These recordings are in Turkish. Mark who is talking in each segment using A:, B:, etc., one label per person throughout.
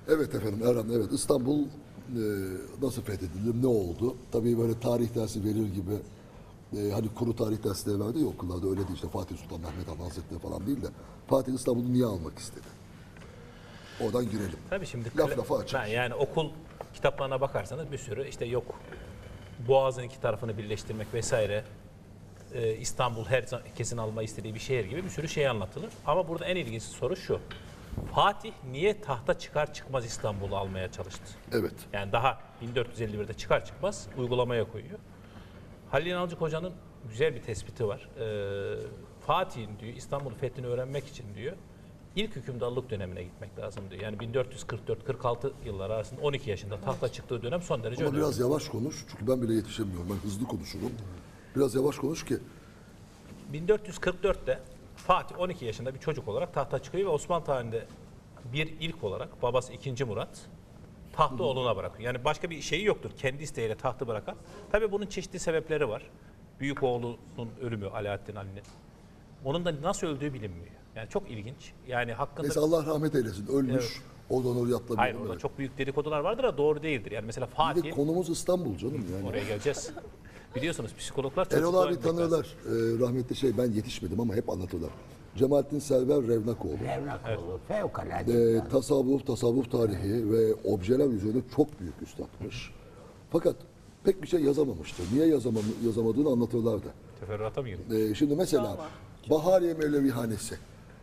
A: Evet efendim Erhan, evet İstanbul nasıl fethedildi, ne oldu? Tabii böyle tarih dersi verir gibi hani kuru tarih dersleri vardı ya okullarda öyle değil işte Fatih Sultan Mehmet Han Hazretleri falan değil de Fatih İstanbul'u niye almak istedi? Oradan girelim.
B: Tabii şimdi
A: Laf lafa açar.
B: yani okul kitaplarına bakarsanız bir sürü işte yok Boğaz'ın iki tarafını birleştirmek vesaire İstanbul herkesin alma istediği bir şehir gibi bir sürü şey anlatılır. Ama burada en ilginç soru şu. Fatih niye tahta çıkar çıkmaz İstanbul'u almaya çalıştı?
A: Evet.
B: Yani daha 1451'de çıkar çıkmaz uygulamaya koyuyor. Halil İnalcık Hoca'nın güzel bir tespiti var. Fatih'in diyor İstanbul fethini öğrenmek için diyor ilk hükümdarlık dönemine gitmek lazım diyor. Yani 1444-46 yılları arasında 12 yaşında tahta çıktığı dönem son derece
A: Ama
B: önemli.
A: biraz yavaş konuş çünkü ben bile yetişemiyorum. Ben hızlı konuşurum. Biraz yavaş konuş ki
B: 1444'te Fatih 12 yaşında bir çocuk olarak tahta çıkıyor ve Osmanlı tarihinde bir ilk olarak babası 2. Murat tahtı oğluna bırakıyor. Yani başka bir şeyi yoktur. Kendi isteğiyle tahtı bırakan. Tabii bunun çeşitli sebepleri var. Büyük oğlunun ölümü Alaaddin Ali'nin. Onun da nasıl öldüğü bilinmiyor. Yani çok ilginç. Yani hakkında...
A: neyse Allah rahmet eylesin. Ölmüş.
B: Evet.
A: Oradan oraya atlamayalım.
B: Hayır orada çok büyük dedikodular vardır da doğru değildir. Yani mesela
A: Bir de
B: Fatih...
A: konumuz İstanbul canım yani.
B: Oraya geleceğiz. Biliyorsunuz psikologlar
A: Erol
B: çocukluğa
A: abi
B: gitmek lazım.
A: tanırlar. Rahmetli ben yetişmedim ama hep anlatırlar. Cemalettin Server Revnakoğlu.
C: Revnakoğlu fevkalade.
A: Tasavvuf tarihi ve objeler üzerine çok büyük üstadmış. Fakat pek bir şey yazamamıştı. Niye yazamadığını anlatırlardı.
B: Teferruata mı girdin?
A: Şimdi mesela Bahariye Mevlevihanesi.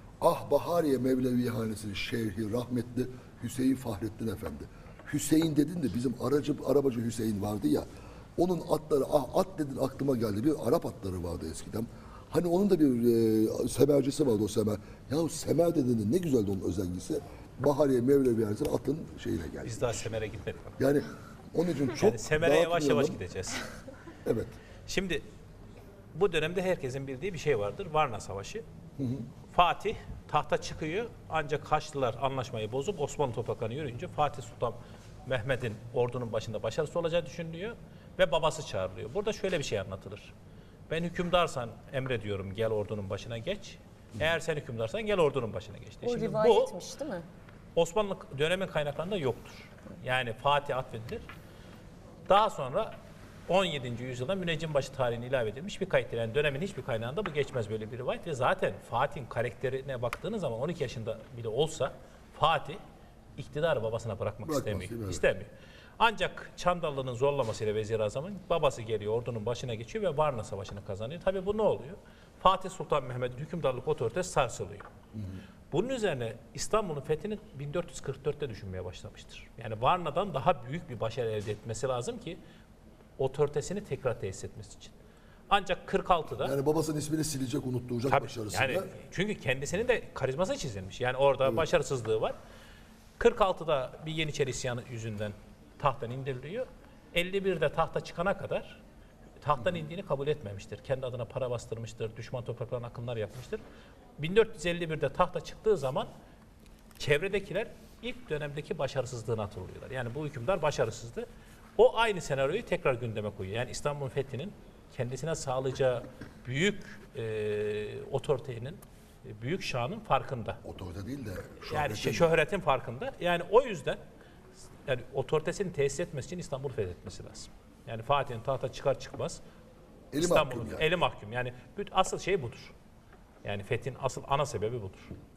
A: Ah Bahariye Mevlevihanesi'nin şerhi rahmetli Hüseyin Fahrettin Efendi. Hüseyin dedin de bizim arabacı Hüseyin vardı ya. Onun atları, at dedin aklıma geldi. Bir Arap atları vardı eskiden. Hani onun da bir semercisi vardı o semer. Ya semer dediğinde ne güzeldi onun özelliğisi. Bahariye Mevlevihanesi'nin atın şeyine geldi.
B: Biz daha Semer'e gitmedik.
A: Yani onun için çok
B: Yani Semer'e yavaş yavaş
A: dağıtmayalım.
B: gideceğiz.
A: Evet.
B: Şimdi bu dönemde herkesin bildiği bir şey vardır. Varna Savaşı. Fatih tahta çıkıyor ancak Haçlılar anlaşmayı bozup Osmanlı topraklarına yürüyünce Fatih Sultan Mehmet'in ordunun başında başarısız olacağı düşünülüyor ve babası çağrılıyor. Burada şöyle bir şey anlatılır. Ben hükümdarsan emrediyorum gel ordunun başına geç. Eğer sen hükümdarsan gel ordunun başına geç.
D: O
B: Şimdi bu
D: rivayetmiş değil mi?
B: Osmanlı dönemin kaynaklarında yoktur. Yani Fatih atfedilir. Daha sonra 17. yüzyılda Müneccinbaşı tarihine ilave edilmiş bir kayıttır. Yani dönemin hiçbir kaynağında bu geçmez böyle bir rivayet. Ve zaten Fatih'in karakterine baktığınız zaman 12 yaşında bile olsa Fatih iktidarı babasına bırakmak istemiyor.
A: Evet.
B: İstemiyor. Ancak Çandarlı'nın zorlamasıyla Vezir-i babası geliyor ordunun başına geçiyor ve Varna Savaşı'nı kazanıyor. Tabii bu ne oluyor? Fatih Sultan Mehmet'in hükümdarlık otoritesi sarsılıyor. Bunun üzerine İstanbul'un fethini 1444'te düşünmeye başlamıştır. Yani Varna'dan daha büyük bir başarı elde etmesi lazım ki otoritesini tekrar tesis etmesi için. Ancak 46'da
A: Yani babasının ismini silecek, unutturacak
B: tabii,
A: başarısıyla.
B: yani çünkü kendisinin de karizması çizilmiş. Yani orada başarısızlığı var. 46'da bir Yeniçeri isyanı yüzünden tahttan indiriliyor. 51'de tahta çıkana kadar tahttan indiğini kabul etmemiştir. Kendi adına para bastırmıştır, düşman topraklarına akınlar yapmıştır. 1451'de tahta çıktığı zaman çevredekiler ilk dönemdeki başarısızlığını hatırlıyorlar. Yani bu hükümdar başarısızdı. O aynı senaryoyu tekrar gündeme koyuyor. Yani İstanbul fethinin kendisine sağlayacağı büyük otoritenin, büyük şanın farkında.
A: Otorite değil de
B: Yani
A: şöhretin.
B: şöhretin farkında. Yani o yüzden yani otoritesini tesis etmesi için İstanbul fethetmesi lazım. Yani Fatih'in tahta çıkar çıkmaz
A: Eli
B: İstanbul'un
A: mahkum yani.
B: eli mahkum. Yani asıl şey budur. Yani fethin asıl ana sebebi budur.